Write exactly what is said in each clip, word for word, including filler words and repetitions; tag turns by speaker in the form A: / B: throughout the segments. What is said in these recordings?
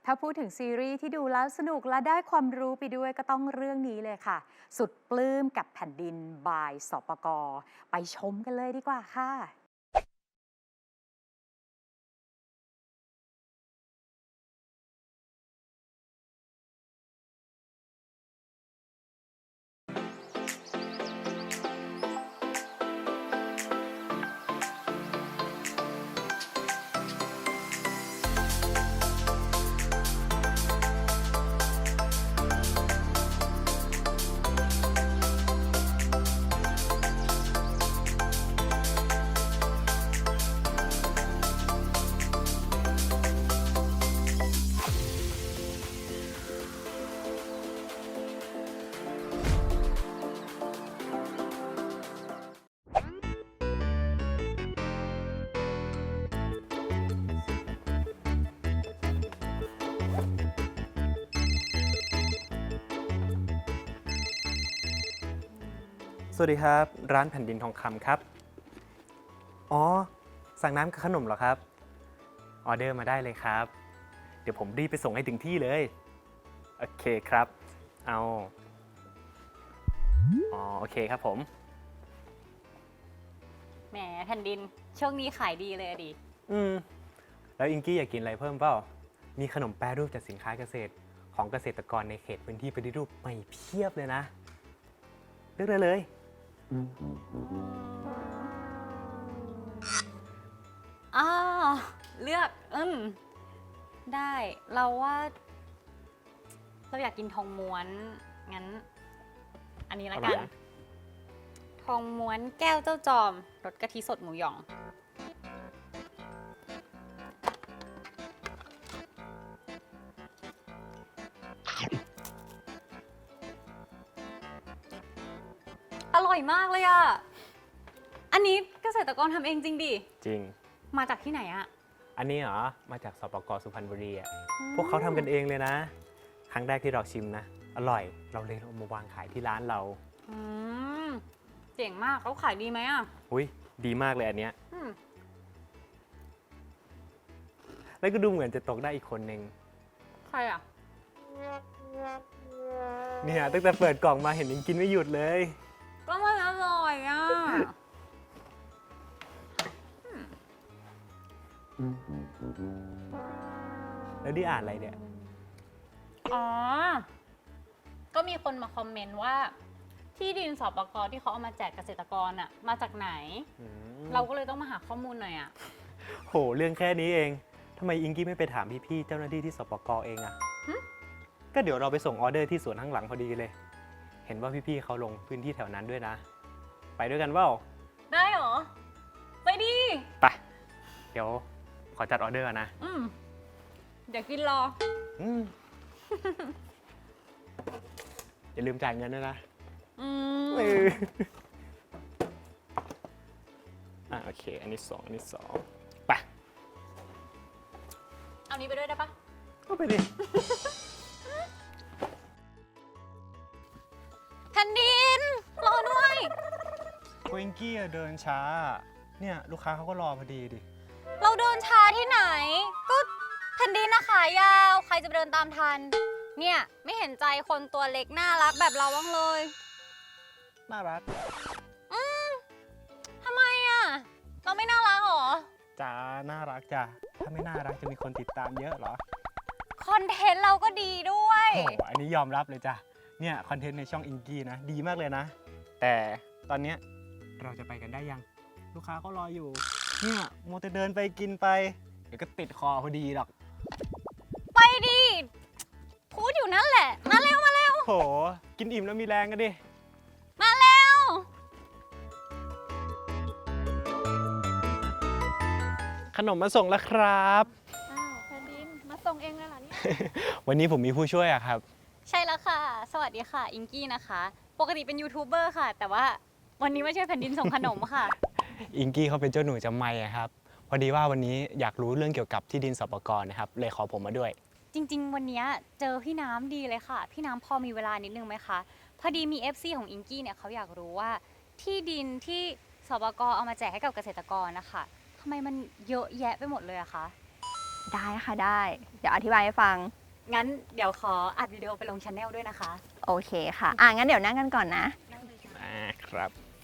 A: ถ้าพูดถึงซีรีส์ที่ดูแล้วสนุกและได้ความรู้ไปด้วยก็ต้องเรื่องนี้เลยค่ะสุดปลื้มกับแผ่นดินบายสปกไปชมกันเลยดีกว่าค่ะ
B: สวัสดีครับร้านแผ่นดินทองคำครับอ๋อสั่งน้ำกับขนมเหรอครับออเดอร์มาได้เลยครับเดี๋ยวผมรีบไปส่งให้ถึงที่เลยโอเคครับเอาอ๋อโอเคครับผม
C: แหมแผ่นดินช่วงนี้ขายดีเลยอะดิ
B: อืมแล้วอิงกี้อยากกินอะไรเพิ่มเปล่ามีขนมแปรรูปจากสินค้าเกษตรของเกษตรกรในเขตพื้นที่ปฏิรูปใหม่เพียบเลยนะเลือกได้เลย
C: อ้าวเลือกอืมได้เราว่าเราอยากกินทองม้วนงั้นอันนี้ละกันทองม้วนแก้วเจ้าจอมรสกะทิสดหมูหยองอร่อยมากเลยอ่ะอันนี้เกษตรกรทำเองจริงดิ
B: จริง
C: มาจากที่ไหนอะ
B: อันนี้เหรอมาจากสปก.สุพรรณบุรีอ่ะพวกเขาทำกันเองเลยนะครั้งแรกที่เราชิมนะอร่อยเราเลยเอามาวางขายที่ร้านเรา
C: อืมเจ๋งมากเขาขายดีไหมอ่ะ
B: อุ้ยดีมากเลยอันเนี้ย
C: อืม
B: แล้วก็ดูเหมือนจะตกได้อีกคนนึง
C: ใครอ่ะ
B: เนี่ยตั้งแต่เปิดกล่องมาเห็นยังกินไม่หยุดเลย
C: ก็มันอร่อยอ่ะ
B: แล้วนี่อ่านอะไรเนี่ย
C: อ๋อก็มีคนมาคอมเมนต์ว่าที่ดินสปก.ที่เขาเอามาแจกเกษตรกรอ่ะมาจากไหนเราก็เลยต้องมาหาข้อมูลหน่อยอ่ะ
B: โหเรื่องแค่นี้เองทำไมอิงกี้ไม่ไปถามพี่ๆเจ้าหน้าที่ที่สปก.เองอ่ะก็เดี๋ยวเราไปส่งออเดอร์ที่สวนข้างหลังพอดีเลยเห็นว่าพี่ๆเขาลงพื้นที่แถวนั้นด้วยนะไปด้วยกันเปล่า
C: ได้เหรอไปดิ
B: ไปเดี๋ยวขอจัดออเดอร์นะ
C: อืมเดี๋ยวกินรอ
B: อืมอย่าลืมจ่ายเงินด้วยนะ
C: อืม
B: อ่ะโอเคอันนี้สองอันนี้สองไป
C: เอานี้ไปด้วยได้ปะ
B: ก็ไปดิ
C: แผ่นดินรอด้วย
B: โคอิงกี้เดินช้าเนี่ยลูกค้าเขาก็รอพอดีดิ
C: เราเดินช้าที่ไหนก็แผ่นดินนะขายาวใครจะไปเดินตามทันเนี่ยไม่เห็นใจคนตัวเล็กน่ารักแบบเราบ้างเลย
B: น่ารัก
C: อืมทำไมอ่ะเราไม่น่ารักหรอ
B: จ้าน่ารักจ้ะถ้าไม่น่ารักจะมีคนติดตามเยอะเหรอ
C: คอนเทนต์เราก็ดีด้วย
B: โอ้อันนี้ยอมรับเลยจ้ะเนี่ยคอนเทนต์ในช่องอิงกี้นะดีมากเลยนะแต่ตอนเนี้ยเราจะไปกันได้ยังลูกค้าเขารออยู่เนี่ยโมจะเดินไปกินไปเดี๋ยวก็ติดคอพอดีหรอก
C: ไปดิพูดอยู่นั่นแหละมาเร็วมาเร็ว
B: โหกินอิ่มแล้วมีแรงกันดิ
C: มาเร็ว
B: ขนมมาส่งแล้วครับ
C: อ้าวแผ่นดินมาส่งเองเลยเหรอเนี่ย
B: วันนี้ผมมีผู้ช่วยอะครับ
C: ใช่แล้วค่ะสวัสดีค่ะอิงกี้นะคะปกติเป็นยูทูบเบอร์ค่ะแต่ว่าวันนี้มาช่วยแผ่นดินส่งขนมค่ะ
B: อิงกี้เขาเป็นเจ้าหนูจำไม่ครับพอดีว่าวันนี้อยากรู้เรื่องเกี่ยวกับที่ดินสปก.นะครับเลยขอผมมาด้วย
C: จริงๆวันนี้เจอพี่น้ำดีเลยค่ะพี่น้ำพอมีเวลานิดนึงไหมคะพอดีมี เอฟ ซี ของอิงกี้เนี่ยเขาอยากรู้ว่าที่ดินที่สปก.เอามาแจกให้กับเกษตรกรนะคะทำไมมันเยอะแยะไปหมดเลยอะคะ
B: อ
D: ได้ค่ะได้ เดี๋ยวอธิบายให้ฟัง
C: งั้นเดี๋ยวขออัดวิดีโอไปลงช anel ด้วยนะคะ
D: โอเคค่ะ อ่ะ งั้นเดี๋ยวนั่งกันก่อนนะ
B: อ่าครับ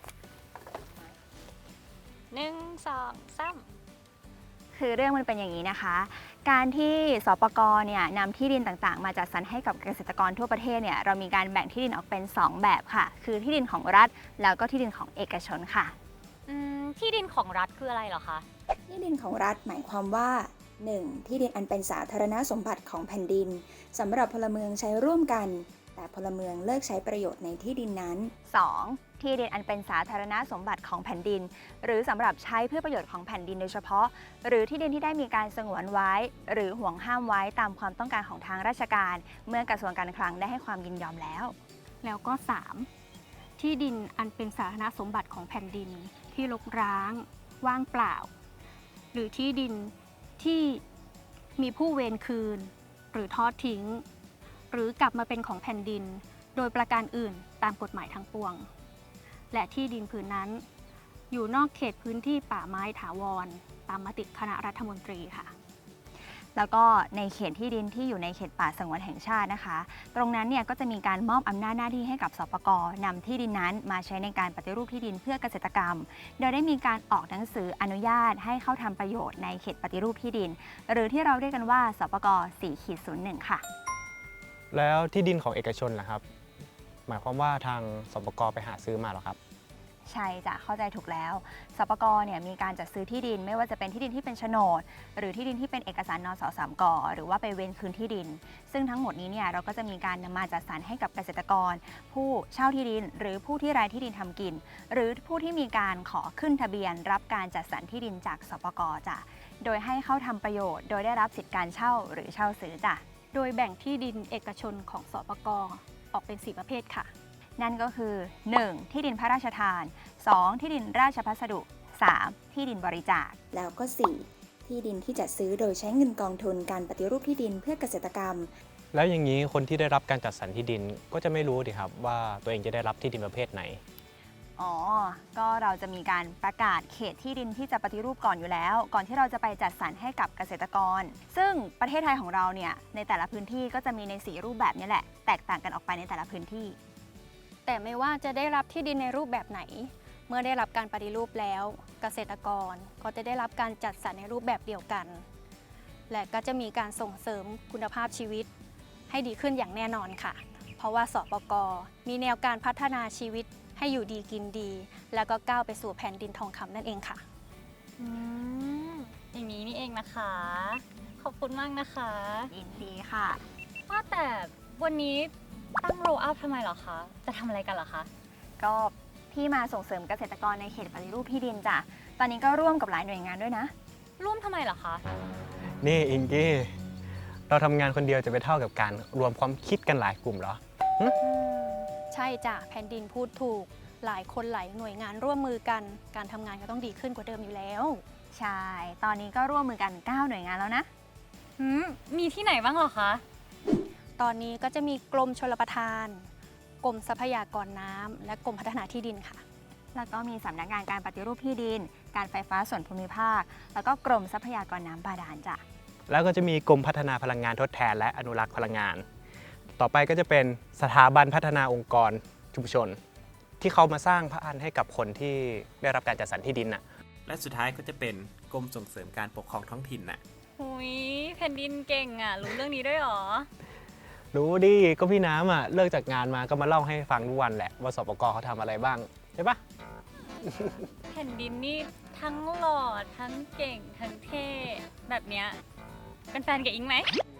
C: หนึ่งสองสาม
D: คือเรื่องมันเป็นอย่างนี้นะคะ การที่สปกเนี่ยนำที่ดินต่างๆ มาจัดสรรให้กับเกษตรกรทั่วประเทศเนี่ยเรามีการแบ่งที่ดินออกเป็น สอง แบบค่ะ คือที่ดินของรัฐแล้วก็ที่ดินของเอกชนค่ะ
C: อืมที่ดินของรัฐคืออะไรเหรอคะ
E: ที่ดินของรัฐหมายความว่า หนึ่ง. ที่ดินอันเป็นสาธารณสมบัติของแผ่นดินสำหรับพลเมืองใช้ร่วมกัน แต่พลเมืองเลิกใช้ประโยชน์ในที่ดินนั้น
D: สอง ที่ดินอันเป็นสาธารณสมบัติของแผ่นดิน หรือสำหรับใช้เพื่อประโยชน์ของแผ่นดินโดยเฉพาะ หรือที่ดินที่ได้มีการสงวนไว้ หรือห่วงห้ามไว้ตามความต้องการของทางราชการ เมื่อกระทรวงการคลังได้ให้ความยินยอมแล้ว
F: แล้วก็ สาม ที่ดินอันเป็นสาธารณสมบัติของแผ่นดินที่รกร้าง ว่างเปล่า หรือที่ดินที่มีผู้เวรคืน หรือทอดทิ้ง หรือกลับมาเป็นของแผ่นดิน โดยประการอื่นตามกฎหมายทั้งปวง และที่ดินผืนนั้น อยู่นอกเขตพื้นที่ป่าไม้ถาวร ตามมติคณะรัฐมนตรีค่ะ
D: แล้วก็ในเขตที่ดินที่อยู่ในเขตป่าสงวนแห่งชาตินะคะ ตรงนั้นเนี่ยก็จะมีการมอบอำนาจหน้าที่ให้กับสปกนำที่ดินนั้นมาใช้ในการปฏิรูปที่ดินเพื่อเกษตรกรรม โดยได้มีการออกหนังสืออนุญาตให้เข้าทำประโยชน์ในเขตปฏิรูปที่ดิน หรือที่เราเรียกกันว่าสปก สี่ศูนย์หนึ่ง ค่ะ
B: แล้วที่ดินของเอกชนล่ะครับ หมายความว่าทางสปกไปหาซื้อมาเหรอครับ
D: ใช่จ้ะเข้าใจถูกแล้วสปกเนี่ยมีการจัดซื้อที่ดินไม่ว่าจะเป็นที่ดินที่เป็นโฉนด หรือที่ดินที่เป็นเอกสารนสสามกหรือว่าไปเว้นคืนที่ดิน ซึ่งทั้งหมดนี้เนี่ยเราก็จะมีการนำมาจัดสรรให้กับเกษตรกร ผู้เช่าที่ดิน หรือผู้ที่รายที่ดินทำกิน หรือผู้ที่มีการขอขึ้นทะเบียน รับการจัดสรรที่ดินจากสปกจ้ะโดยให้เข้าทำประโยชน์ โดยได้รับสิทธิการเช่าหรือเช่าซื้อจ้ะ
F: โดยแบ่งที่ดินเอกชนของสปกออกเป็น สี่ ประเภทค่ะ
D: นั่นก็คือ หนึ่ง ที่ดินพระราชทาน สอง ที่ดินราชพัสดุ สาม ที่ดินบริจาค
E: แล้วก็ สี่. ที่ดินที่จัดซื้อโดยใช้เงินกองทุนการปฏิรูปที่ดินเพื่อเกษตรกรรม
B: แล้วอย่างนี้คนที่ได้รับการจัดสรรที่ดินก็จะไม่รู้ดิครับว่าตัวเองจะได้รับที่ดินประเภทไหน
D: อ๋อ ก็เราจะมีการประกาศเขตที่ดินที่จะปฏิรูปก่อนอยู่แล้ว ก่อนที่เราจะไปจัดสรรให้กับเกษตรกร ซึ่งประเทศไทยของเราเนี่ยในแต่ละพื้นที่ก็จะมีในสีรูปแบบนี้แหละ แตกต่างกันออกไปในแต่ละพื้นที่
F: แต่ไม่ว่าจะได้รับที่ดินในรูปแบบไหน เมื่อได้รับการปฏิรูปแล้ว เกษตรกรก็จะได้รับการจัดสรรในรูปแบบเดียวกัน และก็จะมีการส่งเสริมคุณภาพชีวิตให้ดีขึ้นอย่างแน่นอนค่ะ เพราะว่าสปกมีแนวการพัฒนาชีวิตให้อยู่ดีกินดี แล้วก็ก้าวไปสู่แผ่นดินทองคำนั่นเองค่ะ
C: อืมอย่างนี้นี่เองนะคะ ขอบคุณมากนะคะ
D: ยินดีค่ะ
C: ว่าแต่วันนี้ตั้งโรลอัพทำไมเหรอคะ จะทำอะไรกันเหรอคะ
D: ก็พี่มาส่งเสริมเกษตรกรในเขตปฏิรูปที่ดินจ้ะ ตอนนี้ก็ร่วมกับหลายหน่วยงานด้วยนะ
C: ร่วมทำไมเหรอคะ
B: นี่อิงกี้ เราทำงานคนเดียวจะไปเท่ากับการรวมความคิดกันหลายกลุ่มเหรอ
F: ใช่จ้ะแผ่นดินพูดถูก หลายคนหลายหน่วยงานร่วมมือกัน การทำงานก็ต้องดีขึ้นกว่าเดิมอยู่แล้ว
D: ใช่ ตอนนี้ก็ร่วมมือกัน เก้า หน่วยงานแล้วนะ
C: หืม มีที่ไหนบ้างเหรอคะ
F: ตอนนี้ก็จะมีกรมชลประทาน กรมทรัพยากรน้ำและกรมพัฒนาที่ดินค่ะ
D: แล้วก็มีสำนักงานการปฏิรูปที่ดิน การไฟฟ้าส่วนภูมิภาค แล้วก็กรมทรัพยากรน้ำบาดาลจ้ะ
B: แล้วก็จะมีกรมพัฒนาพลังงานทดแทนและอนุรักษ์พลังงาน ต่อไปก็จะเป็นสถาบันพัฒนาองค์กรชุมชน ที่เขามาสร้างพระอันให้กับคนที่ได้รับการจัดสรรที่ดินน่ะ
G: และสุดท้ายก็จะเป็นกรมส่งเสริมการปกครองท้องถิ่นน่ะ
C: หุยแผ่นดินเก่งอ่ะ รู้เรื่องนี้ด้วยเหรอ
B: รู้ดิก็พี่น้ำอ่ะเลิกจากงานมาก็มาเล่าให้ฟังทุกวันแหละว่าสปกเขาทำอะไรบ้างใช่ปะ
C: แผ่นดินนี่ทั้งหล่อทั้งเก่งทั้งเท่แบบเนี้ยเป็นแฟนกับอิงไหม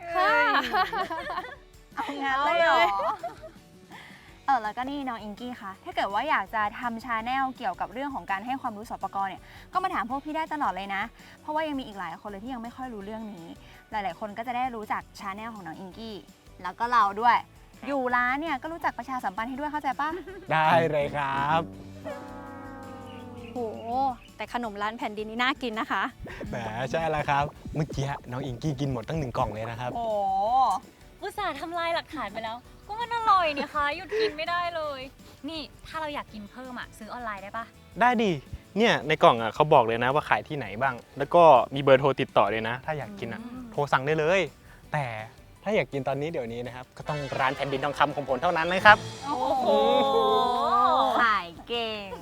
D: เอางั้นเลยเหรอ เออแล้วก็นี่น้องอิงกี้คะถ้าเกิดว่าอยากจะทำชาแนลเกี่ยวกับเรื่องของการให้ความรู้สปกเนี่ย ก็มาถามพวกพี่ได้ตลอดเลยนะ เพราะว่ายังมีอีกหลายคนเลยที่ยังไม่ค่อยรู้เรื่องนี้ หลาย ๆ คนก็จะได้รู้จักชาแนลของน้องอิงกี้ แล้วก็เราด้วย อยู่ร้านเนี่ยก็รู้จักประชาสัมพันธ์ให้ด้วยเข้าใจปะ
B: ได้เลยครับ
F: โห แต่ขนมร้านแผ่นดินนี่น่ากินนะคะ
B: แหมใช่แล้วครับเมื่อกี้น้องอิงกี้กินหมดตั้งหนึ่งกล่องเลยนะครับ
D: โอ้
C: อุตส่าห์ทำลายหลักฐานไปแล้ว ก็มันอร่อยนี่คะหยุดกินไม่ได้เลย นี่ถ้าเราอยากกินเพิ่มอ่ะซื้อออนไลน์ได้ปะ
B: ได้ดิเนี่ยในกล่องอ่ะเขาบอกเลยนะว่าขายที่ไหนบ้าง แล้วก็มีเบอร์โทรติดต่อเลยนะ ถ้าอยากกินอ่ะ
C: อืม
B: โทรสั่งได้เลย แต่ถ้าอยากกินตอนนี้เดี๋ยวนี้นะครับ ก็ต้องร้านแผ่นดินทองคำของผมเท่านั้นนะครับ
C: โอ้โห
D: ขายเก่ง